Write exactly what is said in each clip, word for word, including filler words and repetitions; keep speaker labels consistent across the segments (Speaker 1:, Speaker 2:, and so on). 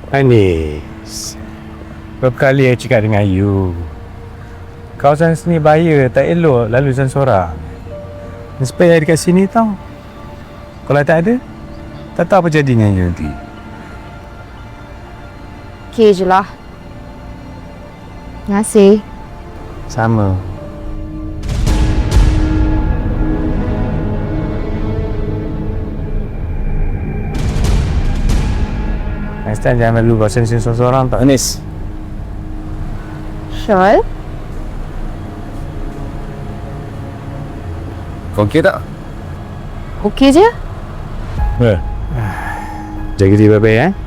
Speaker 1: Anis, berapa kali saya cakap dengan you, kawasan sini bahaya, tak elok lalu seorang-seorang. Supaya saya dekat sini tau. Kalau tak ada, tak tahu apa jadi dengan you nanti.
Speaker 2: Okey je lah. Terima kasih.
Speaker 1: Sama. Next time jangan lalu kawasan sini seorang-seorang tak.
Speaker 3: Anis,
Speaker 2: Syol?
Speaker 3: kau okey tak?
Speaker 2: Okey je?
Speaker 1: Ber. Jaga diri baik-baik eh.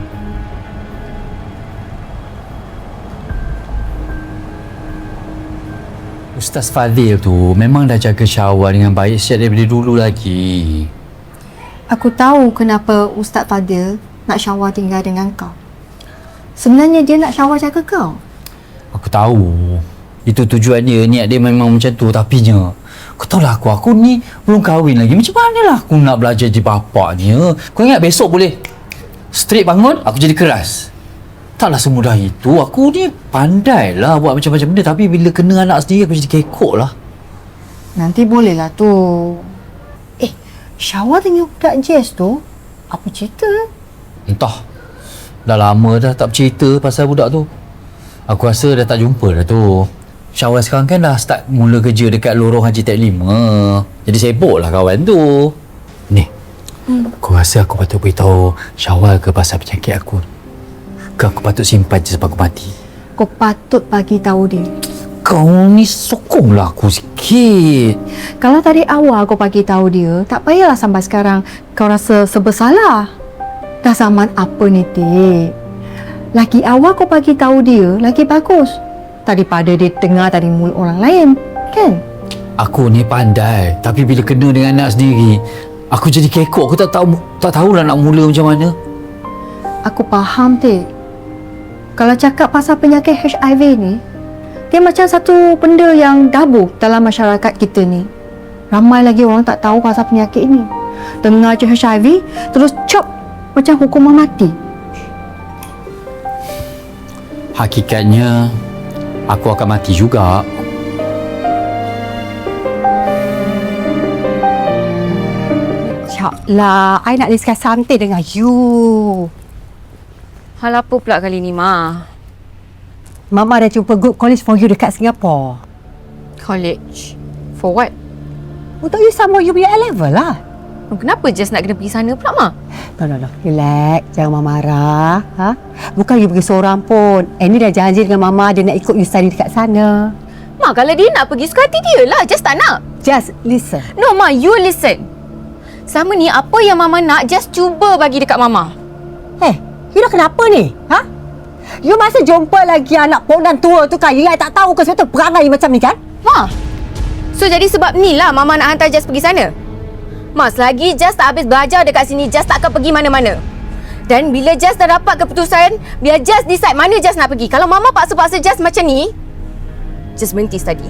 Speaker 4: Ustaz Fadil tu memang dah jaga Syawal dengan baik sejak daripada dulu lagi.
Speaker 5: Aku tahu kenapa Ustaz Fadil nak Syawal tinggal dengan kau. Sebenarnya dia nak Syawal jaga kau.
Speaker 4: Aku tahu. Itu tujuannya, niat dia memang macam tu. Tapi nya, kau tahu lah aku, aku ni belum kahwin lagi. Macam mana lah aku nak belajar jadi bapaknya? Kau ingat besok boleh straight bangun, aku jadi keras. Taklah semudah itu. Aku ni pandai lah buat macam-macam benda. Tapi bila kena anak sendiri, aku jadi kekok lah.
Speaker 5: Nanti boleh lah tu. Eh, Syawal dengan budak Jess tu, apa cerita?
Speaker 4: Entah. Dah lama dah tak bercerita pasal budak tu. Aku rasa dah tak jumpa dah tu. Syawal sekarang kan dah start mula kerja dekat lorong Haji Tek lima. Jadi sibuk lah kawan tu. Ni, hmm. aku rasa aku patut beritahu Syawal ke pasal penyakit aku. Ke aku patut simpan je sampai aku mati?
Speaker 5: Kau patut bagi tahu dia.
Speaker 4: Kau ni sokonglah aku sikit.
Speaker 5: Kalau dari awal kau bagi tahu dia, tak payahlah sampai sekarang kau rasa sebersalah. Dah zaman apa ni, Tik? Lagi awal kau bagi tahu dia, lagi bagus. Daripada dia dengar dari mulut orang lain, kan?
Speaker 4: Aku ni pandai, tapi bila kena dengan anak sendiri, aku jadi kekok. Aku tak tahu tak tahulah nak mula macam mana.
Speaker 5: Aku faham, Tik. Kalau cakap pasal penyakit H I V ni, dia macam satu benda yang tabu dalam masyarakat kita ni. Ramai lagi orang tak tahu pasal penyakit ni. Dengar je H I V, terus cop macam hukuman mati.
Speaker 4: Hakikatnya, aku akan mati juga.
Speaker 5: Syaklah, I nak discuss something dengan you.
Speaker 2: Hal apa pula kali ni, Ma?
Speaker 5: Mama dah jumpa good college for you dekat Singapore.
Speaker 2: College? For what?
Speaker 5: Untuk you sama you punya A-level lah.
Speaker 2: Kenapa Jess nak kena pergi sana pula, Ma?
Speaker 5: No, no, no. Relax. Jangan Mama marah. Ha? Bukan you pergi seorang pun. Annie dah janji dengan Mama dia nak ikut you study dekat sana.
Speaker 2: Ma, kalau dia nak pergi, suka hati dia lah. Jess tak nak.
Speaker 5: Just listen.
Speaker 2: No, Ma, you listen. Selama ni, apa yang Mama nak, Jess cuba bagi dekat Mama.
Speaker 5: Eh, you dah kenapa ni? Ha? You masa jumpa lagi anak pondan tua tu kan? You yang tak tahu ke sebab tu perangai macam ni kan?
Speaker 2: Ma, so jadi sebab ni lah Mama nak hantar Jess pergi sana. Ma, selagi Jess tak habis belajar dekat sini, Jess tak akan pergi mana-mana. Dan bila Jess dah dapat keputusan, biar Jess decide mana Jess nak pergi. Kalau Mama paksa-paksa Jess macam ni, Jess berhenti study.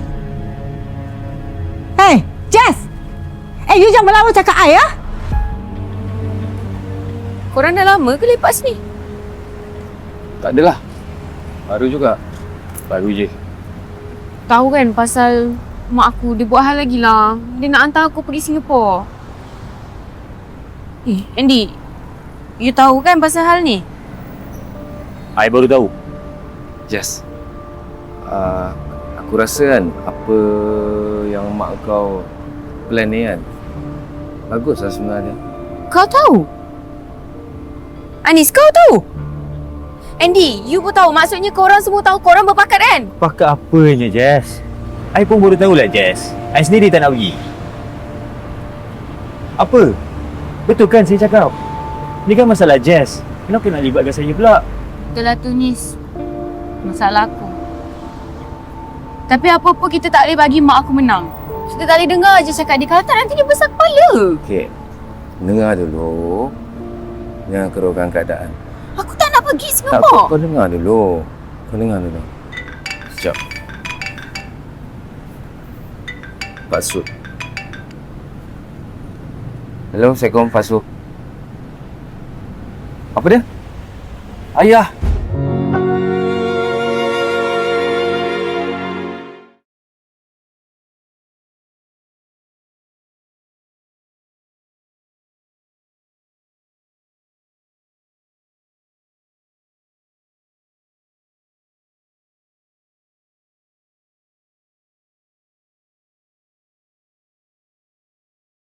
Speaker 5: Hey, Jess! Eh, you jangan melawan cakap I, ya?
Speaker 2: Korang dah lama ke lepak sini?
Speaker 3: tak adalah. Baru juga. Baru je.
Speaker 2: Tahu kan pasal mak aku, dia buat hal lagi lah. Dia nak hantar aku pergi Singapura. Eh, Andy, you tahu kan pasal hal ni?
Speaker 3: I baru tahu. Jess. Uh, aku rasa kan apa yang mak kau plan ni kan, bagus lah sebenarnya.
Speaker 2: Kau tahu? Anis, kau tahu? Andy, you pun tahu. Maksudnya korang semua tahu korang berpakat kan?
Speaker 1: Pakat apanya, Jess? I pun baru tahulah, Jess. I sendiri tak nak pergi. Apa? Betul kan saya cakap? Ni kan masalah Jess. Kenapa nak libatkan saya pula?
Speaker 2: Betul lah tu, Nis. Masalah aku. Tapi apa-apa kita tak boleh bagi mak aku menang. Kita tak boleh dengar je cakap dia. Kalau tak, nanti dia besar kepala.
Speaker 3: Okey. Dengar dulu. Jangan keruhkan keadaan.
Speaker 2: Aku tak nak pergi
Speaker 3: Tak,
Speaker 2: Singapura.
Speaker 3: kau, kau dengar dulu. Kau dengar dulu. Sekejap. Pak Sud. Hello, Assalamualaikum Pak Sud. Apa dia? Ayah,